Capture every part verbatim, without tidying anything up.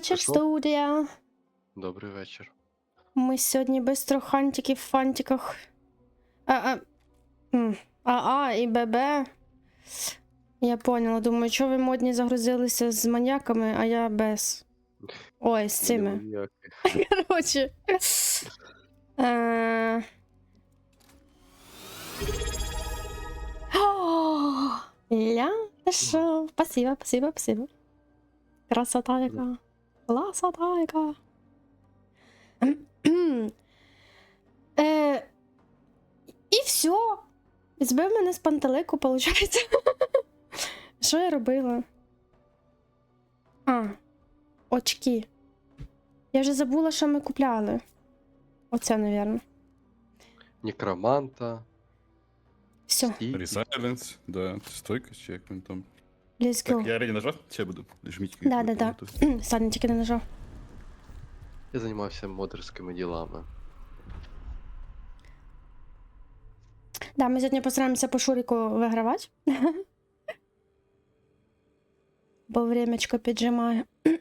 вечір, Пішло? студія. Добрий вечір. Ми сьогодні без трохантиків в фантиках. А, а, м, АА і ББ. Я поняла, думаю, що ви модні загрузилися з маньяками, а я без. Ой, з цими. Ніяких. Короче. Е, О, Ля, що? Спасибо, спасибо, спасибо. Красота яка. Красота яка. Е, І все. Збив мене з пантелику, виходить. Що я робила? А, очки. Я вже забула, що ми купляли. Оце, напевно. Некроманта. Все, Стійки. Resilience, да, стойкость, чи як він там. let's Так, go. я реady нажав? Чи я буду? Жміть. Да, да, да. Саня тільки не нажав. Я займався модерськими ділами. Да, ми сьогодні постараємося по Шуріку вигравати. Бо времечко піджимає.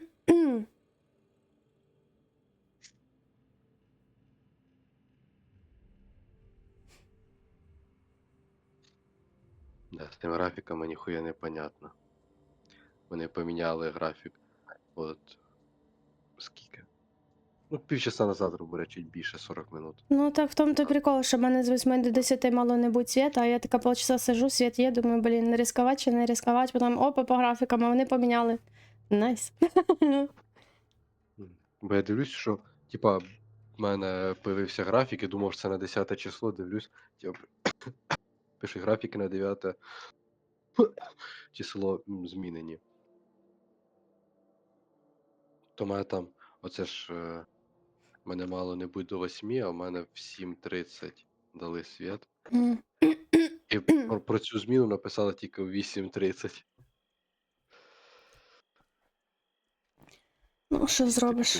Да, з тими графіками ніхуя не понятно. Вони поміняли графік. От. Скільки? Ну, півчаса назад, грубо речі, більше сорок минут. Ну так в тому то прикол, що в мене з восьми до десяти мало не будь світа, а я така полчаса сижу, світ є, думаю, блін, не ризикувати чи не ризикувати, потім опа по графікам, а вони поміняли. Найс. Бо я дивлюсь, що, типа, в мене появився графік і думав, що це на десяте число, дивлюсь, типа, пишуть графіки на дев'яте число м, змінені. То в мене там, оце ж, е, мене мало не бути до восьми, а в мене в сім тридцять дали світ. М. І про, про цю зміну написали тільки в вісім тридцять. Ну, що зробиш?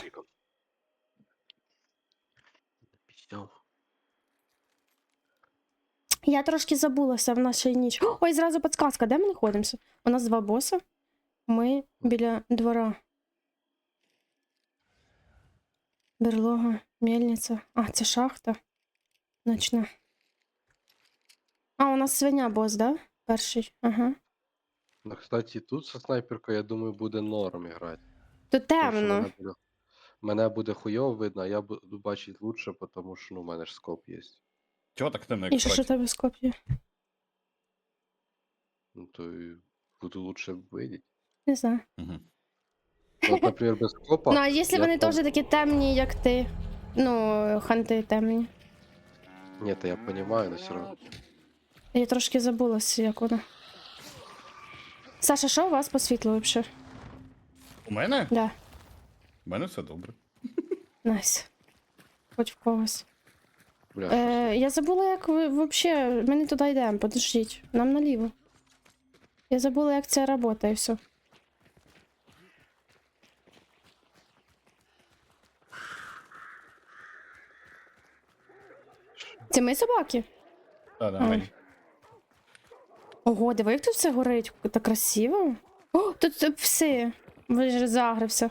Я трошки забулася в нашій ніч. Ой, зразу підсказка, де ми знаходимося? У нас два боси. Ми біля двора. Берлога, мельниця. А, це шахта. Ночна. А, у нас свиня бос, да? Перший. Ага. Ну, кстати, тут со снайперкою, я думаю, буде норм грати. Тут Тому що темно. мене буде, мене буде хуйово видно, а я буду бачити лучше, тому що ну, у мене ж скоп є. Чого так темно, І як що ж у срач? тебе скоп'є? Ну, то і буду лучше видіти. Не знаю. Угу. От, наприклад, без скопа. Ну, а якщо я вони там- теж такі темні, як ти? Ну, ханти темні. Ні, то я розумію, але все одно. Я трошки забулася, як воно. Саша, що у вас по світлу взагалі? У мене? Да, У мене все добре. найс. Хоч в когось. Бля, Е, я забула, як ви взагалі. Ми не туди йдемо, подождіть. Нам наліво. Я забула, як це працює і все. Це ми собаки? Так, да, А. мені. Ого, диви, як тут все горить. Так красиво. О, тут тут пси. Ви загрився.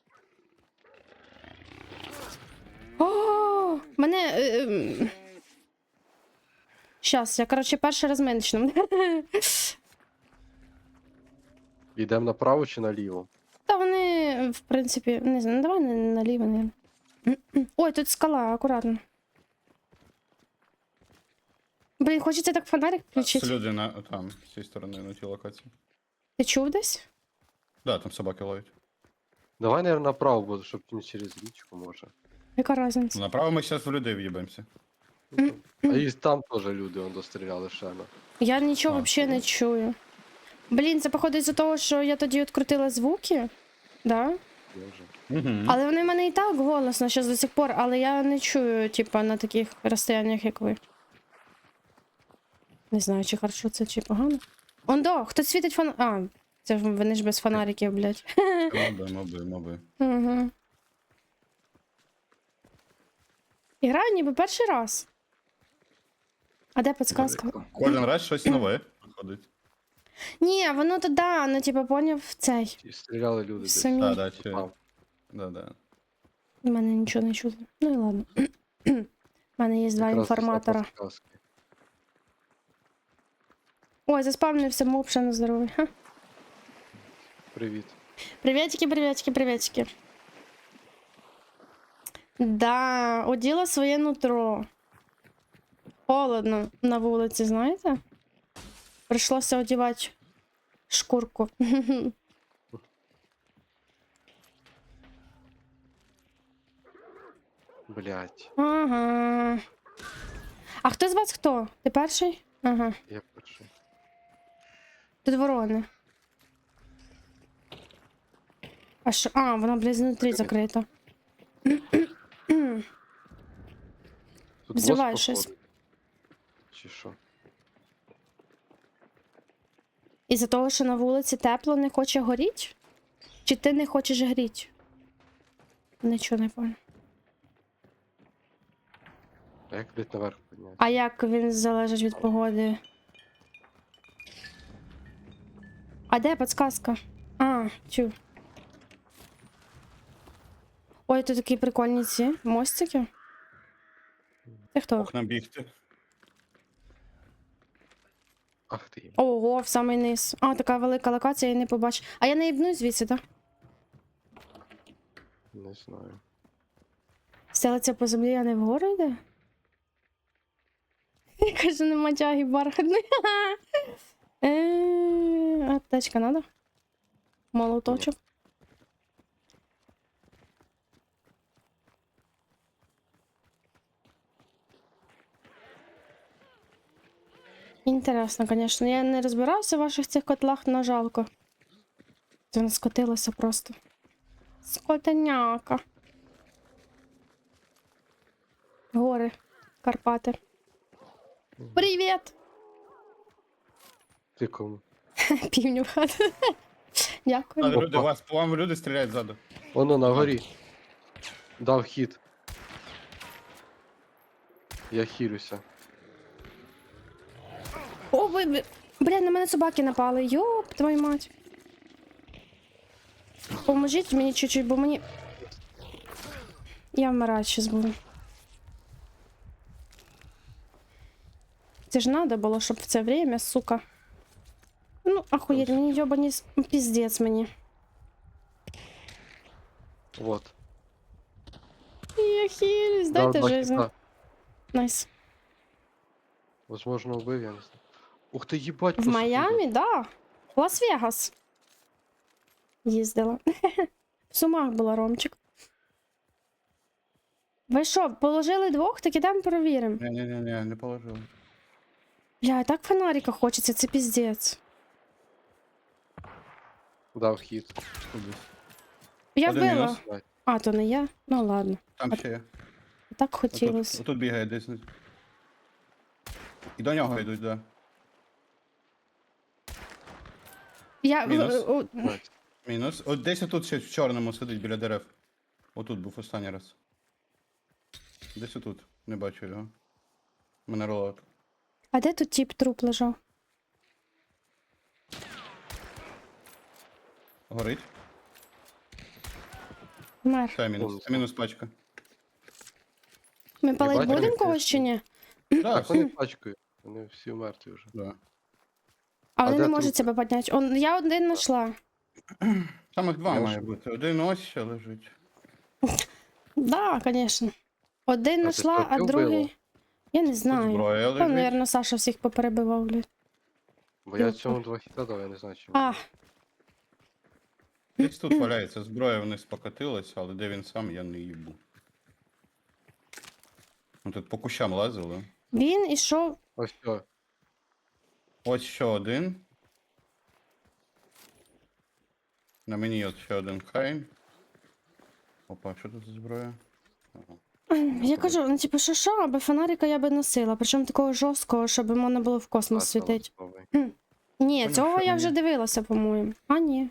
О, мене. Е, ем. Щас, я, коротше, перший раз меншим. Йдемо направо чи наліво? Та вони, в принципі, не знаю, ну давай не наліво, не. Ой, тут скала, акуратно. Блін, хочеться так фонарик Це включити. люди на там, з цієї сторони, на тій локації. Ти чув десь? Да, там собаки ловять. Давай, наверное, направо, бо щоб не через річку може. Яка різниця? Направо ми зараз в людей в'їбемося. Ну, то- А і там теж люди он достріляли ще на. Я нічого А, взагалі не чую. Блін, це походить з-за того, що я тоді відкрутила звуки, да? Я вже. Угу. Але вони в мене і так голосно ще до сих пор, але я не чую, типа, на таких розстояннях, як ви. Не знаю, чи хорошо це, чи погано. Ондо, хтось світить фон... А, це ж вони ж без фонариків, блядь. Моби, моби, моби. Угу. І граю ніби перший раз. А де підсказка? Кожен раз щось нове виходить. Ні, воно то да, ну типа поняв цей. І стріляли люди десь. Самі. Так, да, чи... Там. Да-да. У мене нічого не чути. Ну і ладно. У мене є два Якраз після інформатора. підказки. Ой, заспавнився моб, ще на здоровий. Ха. Привіт. Приветики, приветики, приветики. Да, оділа своє нутро. Холодно на вулиці, знаєте? Прийшлося одівати шкурку. Блять, Ага. А хто з вас хто? Ти перший? Ага. я перший. Тут ворони. А що? А, вона, блядь, знутрі закрита. Тут Взривай бос щось. походу. Чи що? Із-за того, що на вулиці тепло, не хоче горіть? Чи ти не хочеш гріть? Нічого не понял. А як блять наверх підняти? А як він залежить від погоди? А де підсказка? А, чу. Ой, тут такі прикольні ці мостики. Це хто? Окна бігти. Ах ти. Ого, в самий низ. А, така велика локація, я не побачу. А я не їбнусь звідси, так? Не знаю. Стелиться по землі, а не вгору йде? Каже, нема тяги бархатної. Е, Аптечка надо? Молоточок. Інтересно, звісно. Я не розбирався в ваших цих котлах, но жалко. Це не скотилося просто. Скотеняка. Гори, Карпати. Привіт! Ти кому? Півню в хату. Дякую. А, люди, Опа. вас, по вам люди стріляють ззаду. Воно на горі. Дав хід. Я хілюся. О, ви, ви- бля, на мене собаки напали. Йоп, твою мать. Поможіть мені чуть-чуть, бо мені. Я вмираю щас буду. Це ж надо було, щоб в це время, сука. Ну, охуєть, мені йобані с- піздець мені. Вот. Я хилюсь, Дав дайте два жизнь. хіта. Найс. Возможно, убив, я не знаю. Ух ти, їбать, В посудили. Майамі, да. В Лас-Вегас. Їздила. В Сумах була, Ромчик. Ви що, положили двох? Так ідемо перевіримо. Ні-ні-ні, не положили. Бля, так фонарика хочеться, це піздець. Дав хід. Кудись. Я Один вбила. мінус. Блядь. А, то не я. Ну ладно. Там А- ще є. Так Отут, хотілося. отут бігає десь. І до нього йдуть, да. Я. Мінус. о, о, Блядь. Мінус. От десь отут ще в чорному сидить біля дерев. Отут був останній раз. Десь отут. Не бачу його. У мене ролот. А де тут тіп труп лежав? Горить. Мер. Це мінус. Це мінус пачка. Ми палить бачили, будемо як когось чи ні? Так, Так, вони всі. пачкають. Вони всі мертві вже. Да. А А вони де не можуть трупи? себе підняти. Он, я один знайшла. Там їх два Я має ж- бути. Один ось ще лежить. Да, звісно. Один А ти знайшла, що, а ти другий. вбила? Я не Тут знаю. зброя Там, лежить. мабуть, Саша всіх поперебивав, блядь. Бо я Юпа. цьому два хіта дав, я не знаю, чим. А, Десь тут валяється. Зброя вниз покатилася, але де він сам, я не їбу. Ну тут по кущам лазили. він ішов. Ось все. Ось ще один. На мені от ще один хайн. Опа, що тут за зброя? Ага. Я кажу, ну типу, що що, аби фонарика я би носила, причому такого жорсткого, щоб можна було в космос світити. Ні, Поняв, цього що я ні. вже дивилася, по-моєму. А, ні.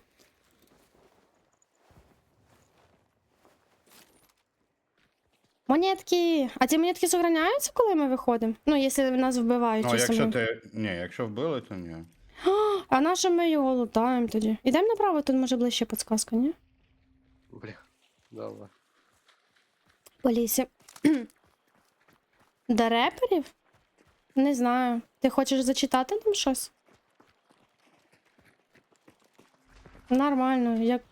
Монетки! А ці монетки сохраняються, коли ми виходимо? Ну, якщо нас вбивають. Ну, чи якщо самі. ти. Ні, якщо вбили, то ні. А на що ми його лутаємо тоді? Ідемо направо, тут може ближче підсказка, ні? Бля. Давай. По лісі. До реперів? Не знаю. Ти хочеш зачитати нам щось? Нормально, як.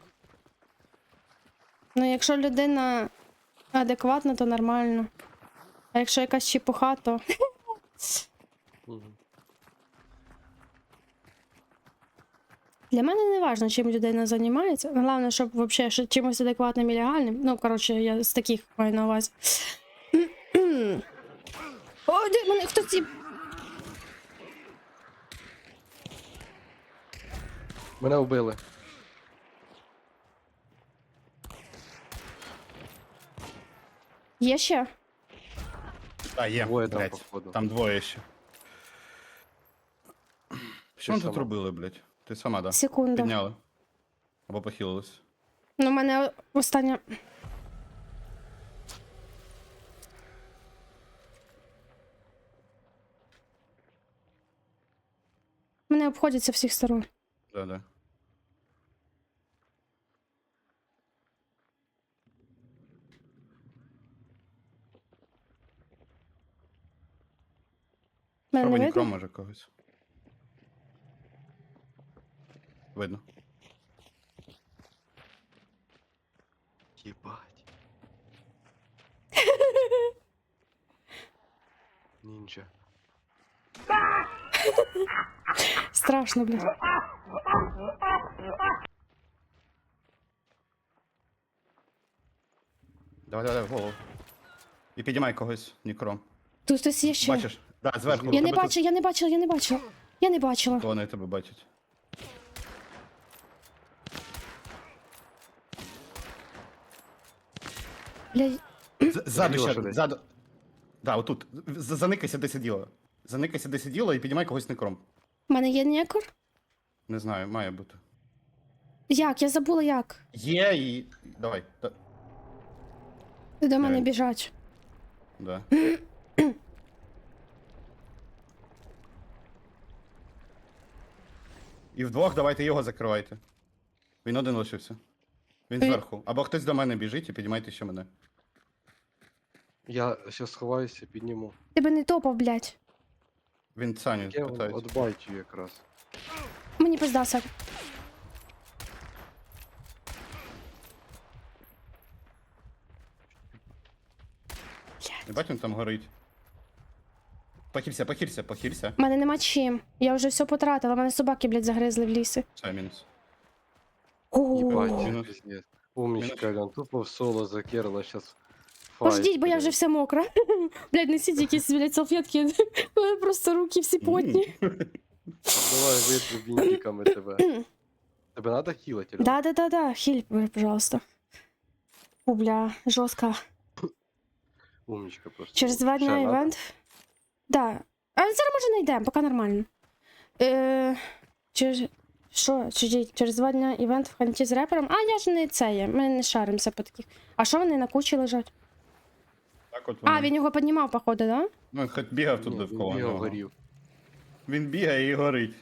Ну, якщо людина адекватна, то нормально. А якщо якась чепуха, то. Мгм. Для мене не важливо, чим людина займається. Головне, щоб взагалі що чимось адекватним і легальним. Ну, коротше, я з таких маю на увазі. О, де мене хтось ці. Мене вбили. Є ще? А, є, Двоє там, блядь. походу. Там двоє ще. Що ми тут сама. робили, блядь? Ти сама, да? Секунда. Підняли. Або похилились. Ну, у мене остання. Мене обходять з всіх сторон. Да, да. Мене Пробуй не нікром, видно? може, когось. Видно. Єбать. Нінджа. Страшно, блін. Давай, давай, в голову. І підіймай когось, нікром. Тут хтось є ще. Бачиш? Да, зверху. Я у не тебе бачила, я не бачила, я не бачила. Я не бачила. Тут... Вони тебе бачать. Бля, З- Ззаду Сиділа ще, ще десь. ззаду. Да, отут. З- Заникайся, де сиділа. Заникайся, де сиділа і підіймай когось нікром. в мене є некор? Не знаю, має бути. Як? Я забула як. Є і... Давай. Да. До мене Реально. біжать. Да. І вдвох давайте його закривайте. Він один лишився. Він Він- зверху. Або хтось до мене біжить і підіймайте ще мене. Я щас сховаюся, підніму. Тебе не топав, блядь. Він Саню Я воно питається. от бачу якраз. Мені пиздався. Не бачиш, він там горить. Похилься, похилься, похилься. У мене нема чим. Я вже все потратила, мене собаки, блядь, загризли в лісі. Все, мінус. Єбать, О, Мінус. пиздец. Умничка, Лян, тупо в соло закерла, щас файт. Пождіть, бо я вже буде. вся мокра. Блядь, несіть якісь, блядь, салфетки. У мене просто руки всі потні. Давай витру бінтиками тебе. Тебе надо хілити, Лян? Да-да-да-да, хіль, пожалуйста. Фу, бля, жорстко. Умничка просто. Через два Ще дня надо? івент. Да. А зараз може не йдемо, поки нормально. Е, через... Що? Через, через два дня івент в ханті з репером? А я ж не це є, ми не шаримося по таких. А що вони на кучі лежать? Так от А, воно. він його піднімав, походу, да? Ну, хоч бігав тут Ні, довкола. він бігав, нього. горів. Він бігає і горить.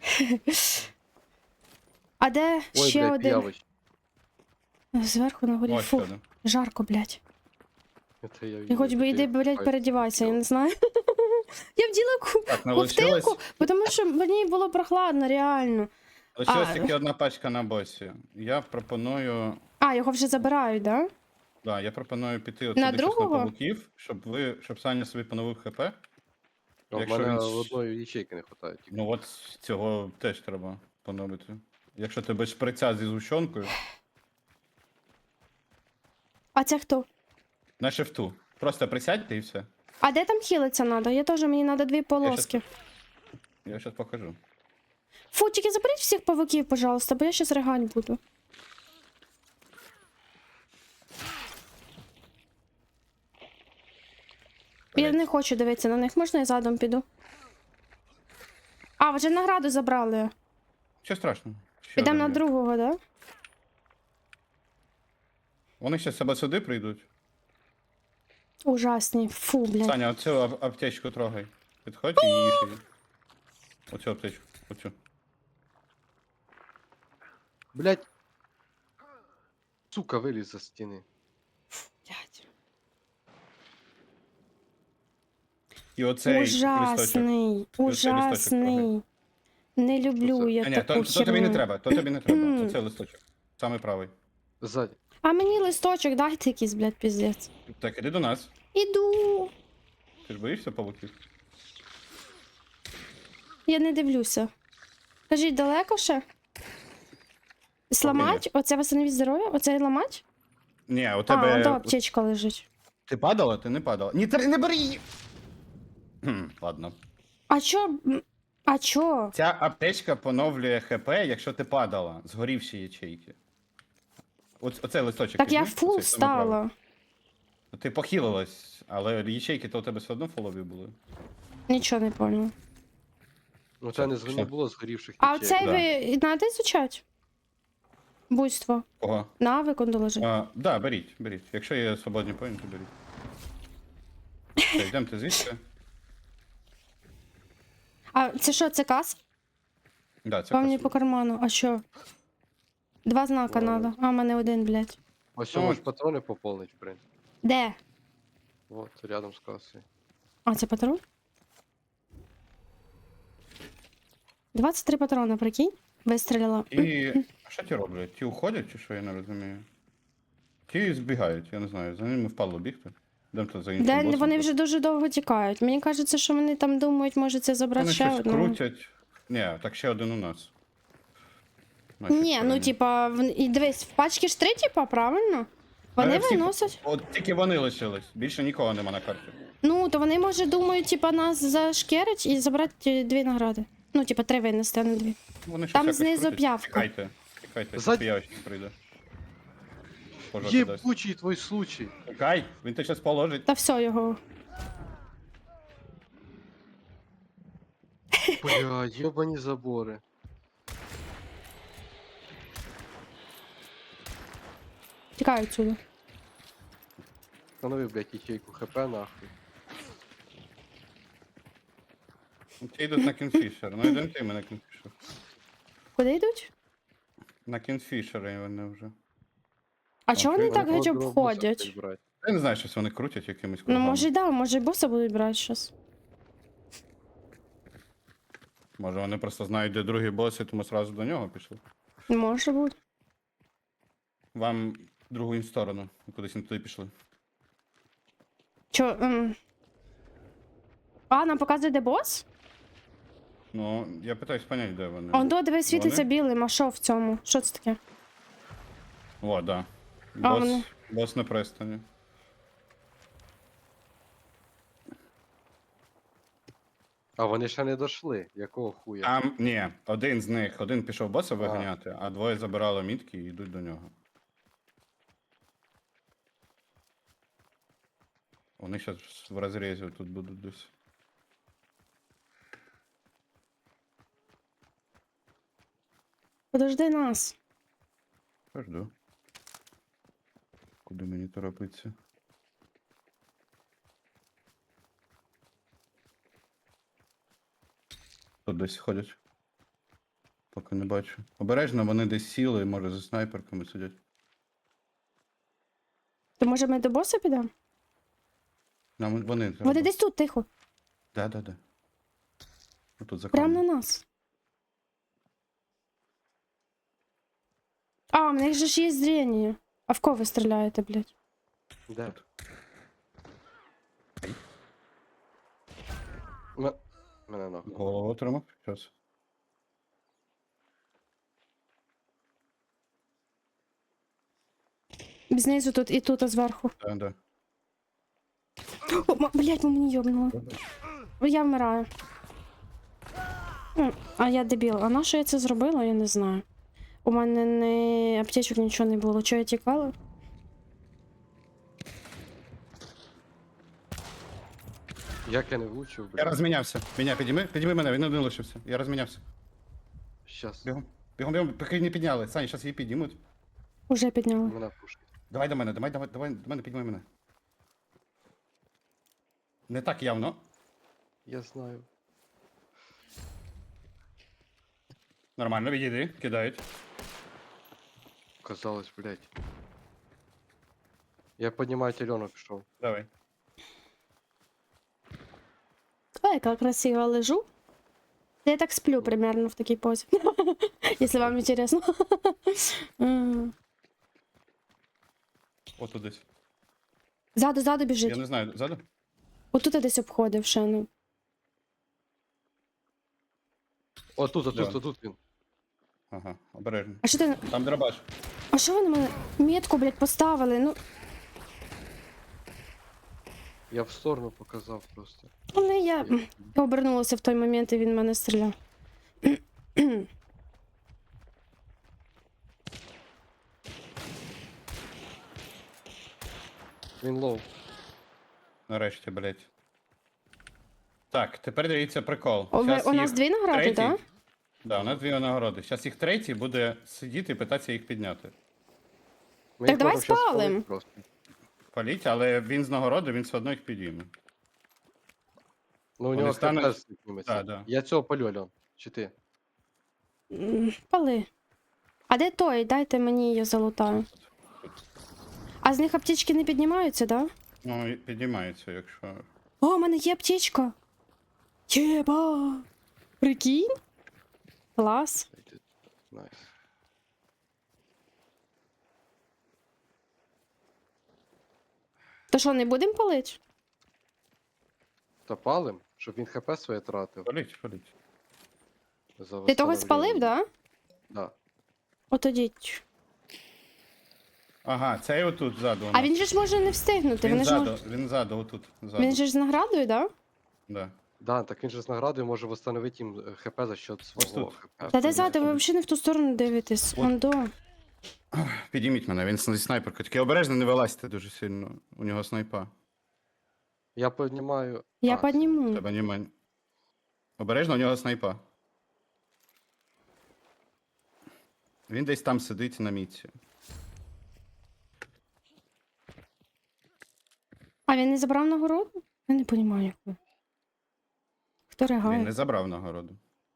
А де Ой, ще блядь, один? п'явич. Зверху на горі. Ось Фу, ще один. жарко, блядь. Це я І хоч би йди, блядь, передівайся, я не знаю. Я вділа ку- Так, не лишилось. ковтинку, тому що мені було прохладно, реально. Лишилась А. тільки одна пачка на босі. Я пропоную. А, його вже забирають, да? Да, я пропоную піти от На сюди щас на другого? павуків, щоб ви. Щоб Саня собі поновив хп. А в Якщо мене він ж- одної ячейки не вистачає. тільки. Ну от цього теж треба поновити. Якщо ти без шприця зі згущенкою, А це хто? на шифту. Просто присядьте і все. А де там хілиться надо? Я теж, мені треба дві полоски. Я зараз покажу. Фу, тільки заберіть всіх павуків, пожалуйста, бо я щас ригать буду. Я не хочу дивитися на них, можна я задом піду? А, вже награду забрали. Що страшного? Ще Підемо на один є. другого, да? Вони ще себе сюди прийдуть. Ужасні. Фу, блядь. Саня, оцю ап- аптечку трогай. Підходь і їж її. Оцю аптечку. Оцю. Блять. Сука, виліз за стіни. І оцей листочок. Ужасний, листочок ужасний. Не люблю Що це? я А, ні, таку то, то тобі не херню. треба, то тобі не треба. Оцей листочок. Самий правий. Ззаді. А мені листочок дайте якийсь, блядь, піздець. Так, іди до нас. Іду. Ти ж боїшся павуків? Я не дивлюся. Кажіть, далеко ще? Сламать? Оце восстановіть здоров'я? Оце і ламать? Ні, у А, тебе. ото аптечка лежить. Ти падала? Ти не падала. Ні, ти не бери її! Хм, ладно. А чо? м, А чо? Ця аптечка поновлює ХП, якщо ти падала. Згорівші ячейки. Оц, оцей листочок. Так я візьми, фул оцей самий правий. стала. Ти похилилась, але ячейки то у тебе все одно фолові були. Нічого не поняла. Ну це не Що? не було згорівших А ячеїк. оцей да. ви надо изучать? Буйство. Кого? Навик он доложить. А, да, беріть, беріть. Якщо є свободні поінти, беріть. Все, йдемте звідси. А це що, це кас? Да, це Вам не касу. по карману. А що? Два знака Ладно. надо. А, в мене один, блядь. Ось Ну, можеш патрони поповнить, в принципі. Де? Вот, рядом з касою. А, це патрон? двадцять три патрона, прикинь? Вистрілила. І. А що ті роблять? Ті уходять, чи що я не розумію? Ті збігають, я не знаю, за ними впало бігти. Йдемте за іншим Де босом. вони вже дуже довго тікають. Мені кажеться, що вони там думають, може це забрати Вони ще щось одного. крутять. Ні, так ще один у нас. Наші Ні, ну сторони. типа, в- і дивись, в пачки ж три, типа, правильно? Вони Е, всі- виносять. От тільки вони лишились, більше нікого нема на карті. Ну, то вони, може, думають, типа, нас зашкерить і забрати е, дві награди. Ну, типа, три винести, а не дві. Вони щось Там якось знизу крутять. п'явка. Тікайте, тікайте, Зад- тільки я ще прийде. Пожати дасть. Єбучий твій случай. Тікай, він тебе щас положить. Та все його. Бля, йобані забори. Тікаю відсюди. Встанови, блядь, ячейку хп нахуй. Ті йдуть на кінфішер. Ну йдемо ти ми на кінфішер. Куди йдуть? На кінфішери вони вже. А чого вони Окей. так геть обходять? Я не знаю, щось вони крутять якимось Ну, кругами. може, й да, може, й боса будуть брати щас. Може вони просто знають, де другий бос, і тому сразу до нього пішли. Може бути. Вам другу сторону, кудись не туди пішли. Чо, ем... А, нам показує, де бос? Ну, я питаюсь понять, де вони. Он до дивись, світиться Вони? білим, а що в цьому? Що це таке? О, да. А, Бос, вони. бос на Престоні. А вони ще не дошли. Якого хуя? Там, ні, один з них, один пішов боса виганяти, а двоє забирали мітки і йдуть до нього. Вони зараз в розрізі тут будуть десь. Подожди нас. Жду. Куди мені торопитися? Тут десь ходять. Поки не бачу. Обережно, вони десь сіли, може за снайперками сидять. То може ми до боса підемо? Нам вони. Вони десь тут, тихо. Да, да, да. Тут за Прямо на камнем. нас. А, в них же ж є зріння. А в кого ви стріляєте, блядь? Де? М- Мене нахуй. Голову отримав. Щас. Знизу тут і тут, а зверху. Да, да. О, ма- блядь, мені йобнуло. Я вмираю. М, А я дебіл. А на що я це зробила, я не знаю. У мене не аптечок нічого не було. Чого я тікала? Як я не влучив, Я блядь. розмінявся. Меня підійми, підійми мене, він один лишився. Я розмінявся. Щас. Бігом. Бігом, бігом, поки не підняли. Саня, зараз її підіймуть. Уже підняла. Мене пушить. Давай до мене, давай, давай, давай до мене, піднімай мене. Не так явно. Я знаю. Нормально, відійди, кидають. Казалось, блядь. Я піднімаю тельонок пішов. Давай. яка красиво лежу. Я так сплю примерно в такій позі. Якщо вам інтересно. М. Ото десь. Ззаду, ззаду Я біжить. не знаю, ззаду? Отут я десь обходив ще, ну. О, тут, а Де тут, він? а тут він. Ага, обережно. А що ти. Там дробаш. А що ви на мене метку, блядь, поставили? Ну, Я в сторону показав просто. але я я обернулася в той момент, і він в мене стріляв. Він лоу. Нарешті, блядь. Так, тепер дивіться прикол. О, ви- Щас у нас їх дві награди, третій- так? Да, у нас дві нагороди. Зараз їх третій буде сидіти і питатися їх підняти. Ми Так їх давай можемо щас спалим. спалити просто. Паліть, але він з нагороди, він все одно їх підійме. Ну у Вони нього стануть- хп зніметься. Да, да. Я цього палю, Альон. Чи ти? М, Пали. А де той? Дайте мені її залутаю. А з них аптечки не піднімаються, так? Да? Ну, і підіймається, якщо. О, у мене є аптечка. Єба! Прикинь? Клас. Найс. То що, не будемо палити? Та палим, щоб він хп своє тратив. Паліть, паліть. За Ти того спалив, восстановлення. да? Да. Отодіть. Ага, цей отут ззаду. у А нас. він же ж може не встигнути. Він Він, ж ззаду, мож... він ззаду, отут. Ззаду. він же ж з наградою, да? Да. Да, так він же з наградою може восстановити їм е, хп за счет свого тут. хп. Та де Ні, ззаду, ви тобі. взагалі не в ту сторону дивитесь. От. Ондо. Підійміть мене, він зі снайперкою. Тільки обережно не вилазьте дуже сильно. У нього снайпа. Я піднімаю. Я А, підніму. Треба німень. Обережно, у нього снайпа. Він десь там сидить на мітці. А він не забрав нагороду? Я не розумію, як ви. Хто Він ригає? не забрав нагороду.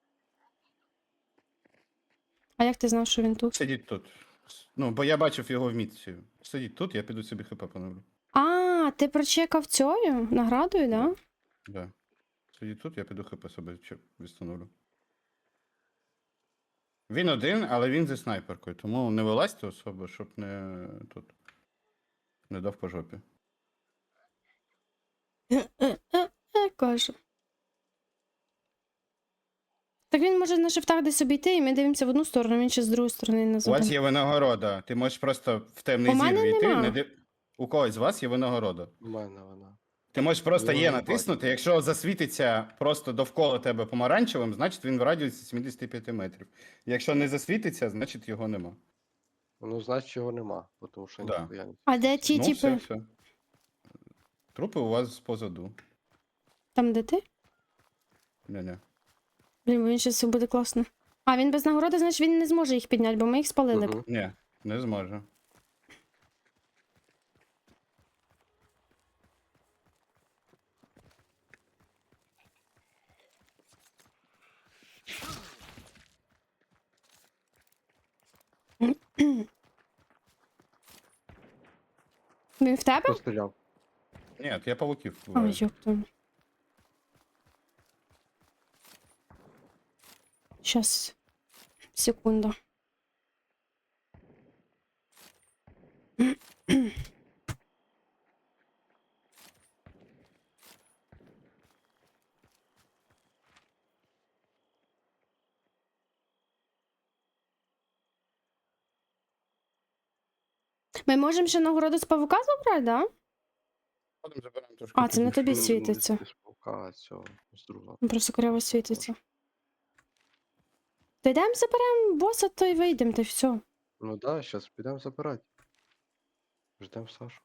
А як ти знав, що він тут? Сидіть тут. Ну, бо я бачив його в мітці. Сидіть тут, я піду собі хп поновлю. А, ти прочекав цю наградою, да? Да. Сидіть тут, я піду хп собі чи- відстановлю. Він один, але він зі снайперкою, тому не вилазьте особо, щоб не тут. Не дав по жопі. Е, кажу. Так він може на шифтах десь обійти, і ми дивимося в одну сторону, він ще з другої сторони нас У вас обійде. є винагорода. Ти можеш просто в темний У зір мене війти. нема. Не див... У когось з вас є винагорода. У мене вона. Ти можеш просто Я є не натиснути. бачу. Якщо засвітиться просто довкола тебе помаранчевим, значить він в радіусі сімдесят п'ять метрів. Якщо не засвітиться, значить його нема. Ну, значить його нема, тому що Да. ніхуя не. А де ті, ну, типи, все, все. Трупи у вас позаду. там де ти? Не-не. Блін, бо він щас все буде класно. А, він без нагороди, значить він не зможе їх підняти, бо ми їх спалили. б. Мгм. Ні, не зможе. Він в тебе? Постріляв. Ні, я павуків Ой, вбиваю. ёпту. Щас. Секунду. Ми можемо ще нагороду з павука забрати, да? Ходимо, заберемо трошки А, це на пізніше. тобі світиться. З паука цього, з другого. Він просто коряво світиться. Та йдемо заберемо боса, то й вийдемо, та й все. Ну да, зараз підемо забирати. Ждемо Сашу.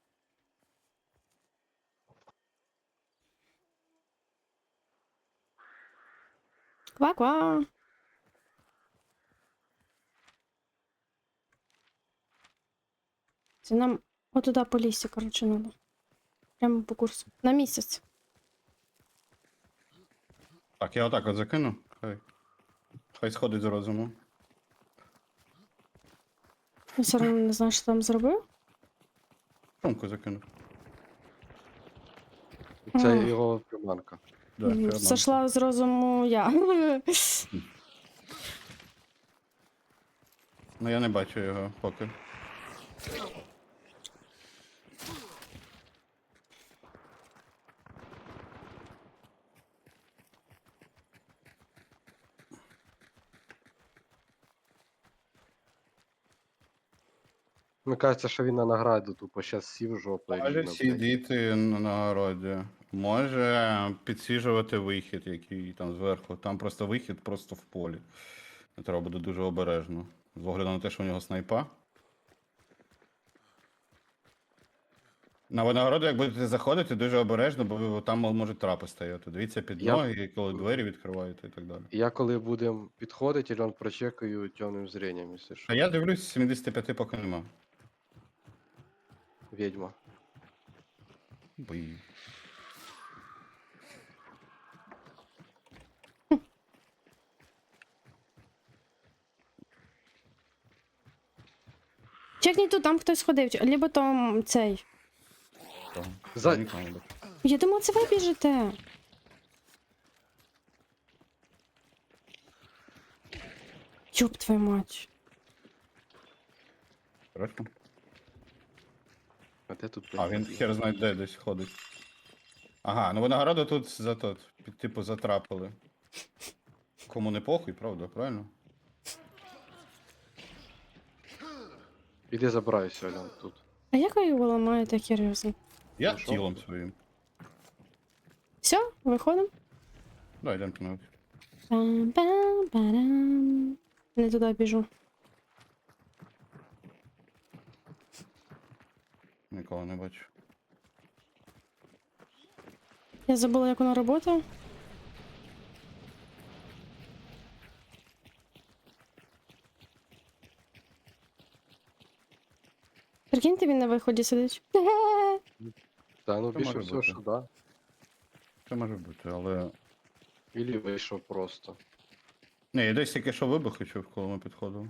Ква-ква. Це нам отуда по лісі, коротше, надо. Прямо по курсу. На місяць. Так, я отак от закину. Хай. Хай сходить з розуму. Я все одно не знаю, що там зробив. Сумку закинув. Це Ага. його приманка. Да, це М, обманка. Сошла з розуму я. Ну я не бачу його поки. Мені кажеться, що він на награду тупо щас сів жопою Може рівно, блядь. сидіти на нагороді. Може підсвіжувати вихід, який там зверху. Там просто вихід просто в полі. Треба буде дуже обережно. З огляду на те, що у нього снайпа. На винагороду, як будете заходити, дуже обережно, бо там можуть трапи стояти. Дивіться під Я- ноги, коли двері відкриваєте і так далі. Я коли будемо підходити, Ільон прочекаю темним зренням, якщо що. А я дивлюсь, сімдесят п'ять поки нема. Відьма. Бій. Чекніть тут, там хтось ходив. Либо там цей. Того. За- Я нікого не бачу. Я думала, це ви біжите. Ёб твою мать. Хорошо. А де тут, А, блядь, він відьма? хер знає де десь ходить. Ага, ну винагороду тут за тот, під, типу, затрапили. Кому не похуй, правда, правильно? Іди забирайся, Ільон, тут. А як ви його ламаєте, серйозно? Я Ну, що? тілом своїм. Все, виходимо? Да, йдемо пінати. Пам-пам-парам. Не туди біжу. Нікого не бачу. Я забула, як вона працює. Прикиньте, він на виході сидить. Та ну Це більше може всього, бути. що да. Це може бути, але. Ілі вийшов просто. Ні, я десь тільки що вибухи чув, коли ми підходили.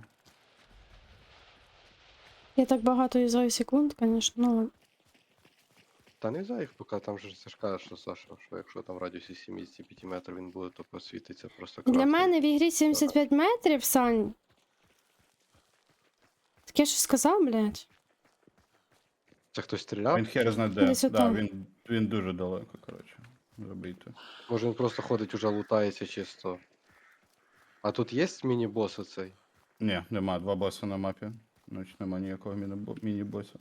Я так багато юзаю секунд, звісно, ну ладно. Та не за їх, поки там же це ж каже, що Саша, що якщо там в радіусі сімдесят п'ять метрів він буде, то посвітиться просто Для красним. мене в ігрі сімдесят п'ять метрів, Сань. Так я ж сказав, блядь. Це хтось стріляв? Він хер знає де. Десь Да, отам. він, він дуже далеко, коротше. Забийте. Може він просто ходить, уже лутається чисто. А тут є міні-бос оцей? Ні, нема два боси на мапі. Значить нема ніякого міні- міні-боса.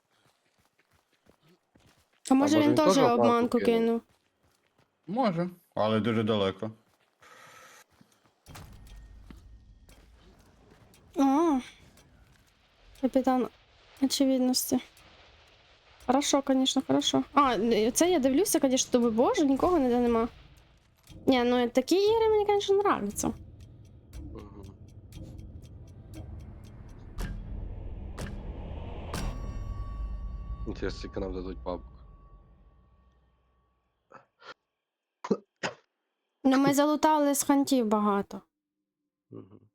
А може може він він теж теж обманку обманку кинув? кинув? Може, але дуже далеко. А. Капітан очевидності. Хорошо, конечно, хорошо. А, це я дивлюся, конечно, думаю, боже, нікого ніде нема. Ні, ну такі ігри мені, конечно, нравятся. Угу. Інтересно, скільки нам дадуть бабок. Ну ми залутали з хантів багато. Угу.